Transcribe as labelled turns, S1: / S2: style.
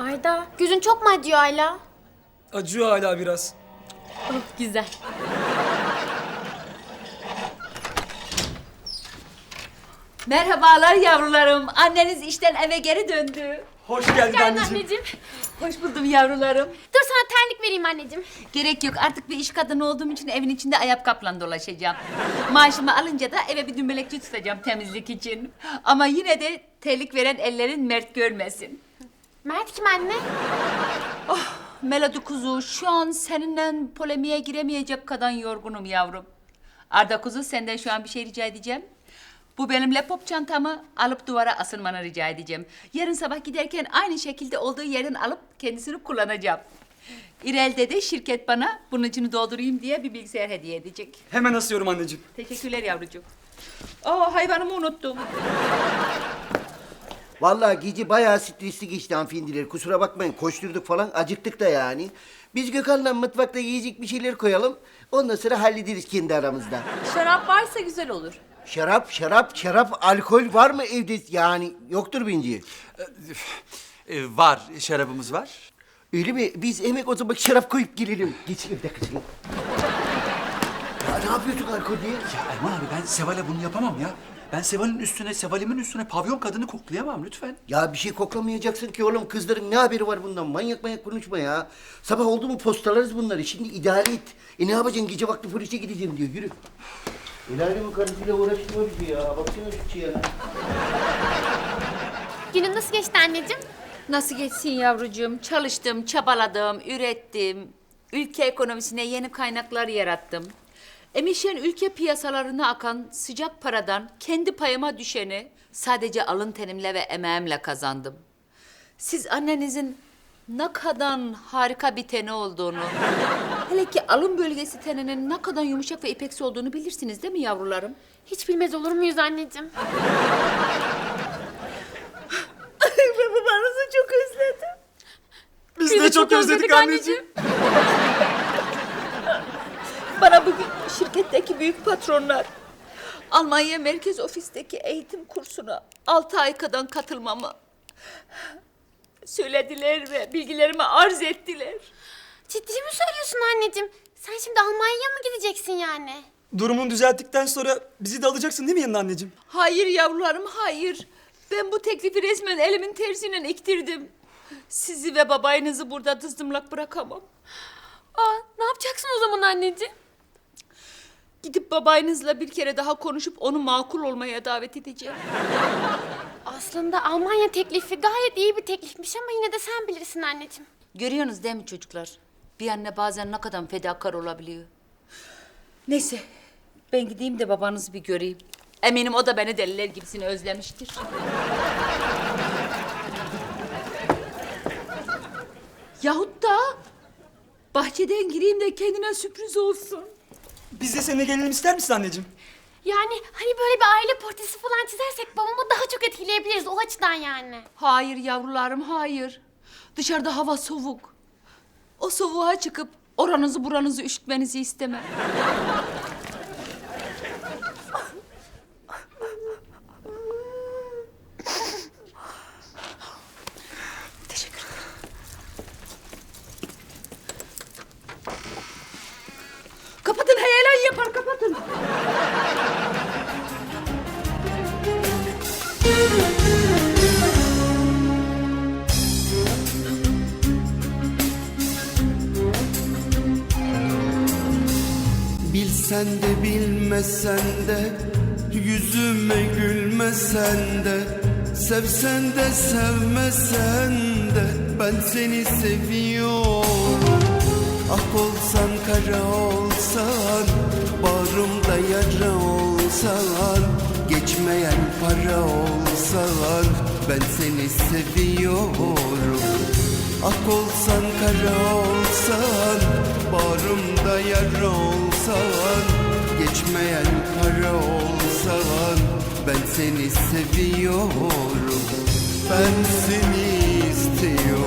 S1: Arda, gözün çok mu acıyor hala?
S2: Acıyor hala biraz.
S1: Oh, güzel.
S3: Merhabalar yavrularım. Anneniz işten eve geri döndü.
S2: Hoş geldin
S1: Gel
S2: anneciğim.
S1: anneciğim.
S3: Hoş buldum yavrularım.
S1: Dur sana terlik vereyim anneciğim.
S3: Gerek yok. Artık bir iş kadını olduğum için evin içinde ayakkabıyla dolaşacağım. Maaşımı alınca da eve bir dümbelekçi tutacağım temizlik için. Ama yine de terlik veren ellerin mert görmesin.
S1: Mert kim anne?
S3: Melodi kuzu, şu an seninle polemiğe giremeyecek kadar yorgunum yavrum. Arda kuzu, senden şu an bir şey rica edeceğim. Bu benim laptop çantamı alıp duvara asılmanı rica edeceğim. Yarın sabah giderken aynı şekilde olduğu yerden alıp kendisini kullanacağım. İrel'de de şirket bana bunun içini doldurayım diye bir bilgisayar hediye edecek.
S2: Hemen asıyorum anneciğim.
S3: Teşekkürler yavrucuğum. Aa, hayvanımı unuttum.
S4: Vallahi gece bayağı stresli geçti hanımefendiler. Kusura bakmayın koşturduk falan acıktık da yani. Biz Gökhan'la mutfakta yiyecek bir şeyler koyalım. Ondan sonra hallederiz kendi aramızda.
S3: Şarap varsa güzel olur.
S4: Şarap, alkol var mı evde? Yani yoktur bence.
S5: Var, şarabımız var.
S4: Öyle mi? Biz hemen o zaman şarap koyup gelelim. Geçin bir dakika. Ya ne yapıyorsun alkol diye?
S5: Ya Erman abi ben Seval'e bunu yapamam ya. Ben Seval'imin üstüne pavyon kadını koklayamam lütfen.
S4: Ya bir şey koklamayacaksın ki oğlum. Kızların ne haberi var bundan? Manyak konuşma ya. Sabah oldu mu postalarız bunları. Şimdi idare et. Ne yapacaksın? Gece vakti polise gideceğim diyor. Yürü. El alemin karısıyla uğraştırma bizi ya. Baksana şu çiğene.
S1: Günün nasıl geçti anneciğim?
S3: Nasıl geçsin yavrucuğum? Çalıştım, çabaladım, ürettim. Ülke ekonomisine yeni kaynaklar yarattım. Emişen ülke piyasalarına akan sıcak paradan kendi payıma düşeni sadece alın tenimle ve emeğimle kazandım. Siz annenizin ne kadar harika bir teni olduğunu, hele ki alın bölgesi teninin ne kadar yumuşak ve ipeksi olduğunu bilirsiniz değil mi yavrularım?
S1: Hiç bilmez olur muyuz anneciğim?
S3: Ben babanızı çok özledim.
S2: Biz de çok özledik anneciğim.
S3: Bana bugün şirketteki büyük patronlar Almanya merkez ofisteki eğitim kursuna 6 ay kadar katılmamı söylediler ve bilgilerimi arz ettiler.
S1: Ciddi mi söylüyorsun anneciğim? Sen şimdi Almanya'ya mı gideceksin yani?
S2: Durumunu düzelttikten sonra bizi de alacaksın değil mi yanına anneciğim?
S3: Hayır yavrularım, hayır. Ben bu teklifi resmen elimin tersiyle iktirdim. Sizi ve babayınızı burada dızdımlak bırakamam.
S1: Aa, ne yapacaksın o zaman anneciğim?
S3: Gidip babayınızla bir kere daha konuşup onu makul olmaya davet edeceğim.
S1: Aslında Almanya teklifi gayet iyi bir teklifmiş ama yine de sen bilirsin anneciğim.
S3: Görüyorsunuz değil mi çocuklar? Bir anne bazen ne kadar fedakar olabiliyor. Neyse, ben gideyim de babanızı bir göreyim. Eminim o da beni deliler gibisini özlemiştir. Yahut da bahçeden gireyim de kendine sürpriz olsun.
S2: Biz de seninle gelelim ister misin anneciğim?
S1: Yani hani böyle bir aile portresi falan çizersek babamı daha çok etkileyebiliriz o açıdan yani.
S3: Hayır yavrularım, hayır. Dışarıda hava soğuk. O soğuğa çıkıp oranızı buranızı üşütmenizi istemem. Teşekkür ederim. Kapatın, heyelan yapar, kapatın.
S6: Bilsen de bilmesen de yüzüme gülmesen de sevsen de sevmesen de ben seni seviyorum. Ah olsan kara olsan bağrımda yara olsan geçmeyen para olsan ben seni seviyorum. Ak olsan kara olsan bağrımda yara olsan geçmeyen para olsan ben seni seviyorum. Ben seni istiyorum.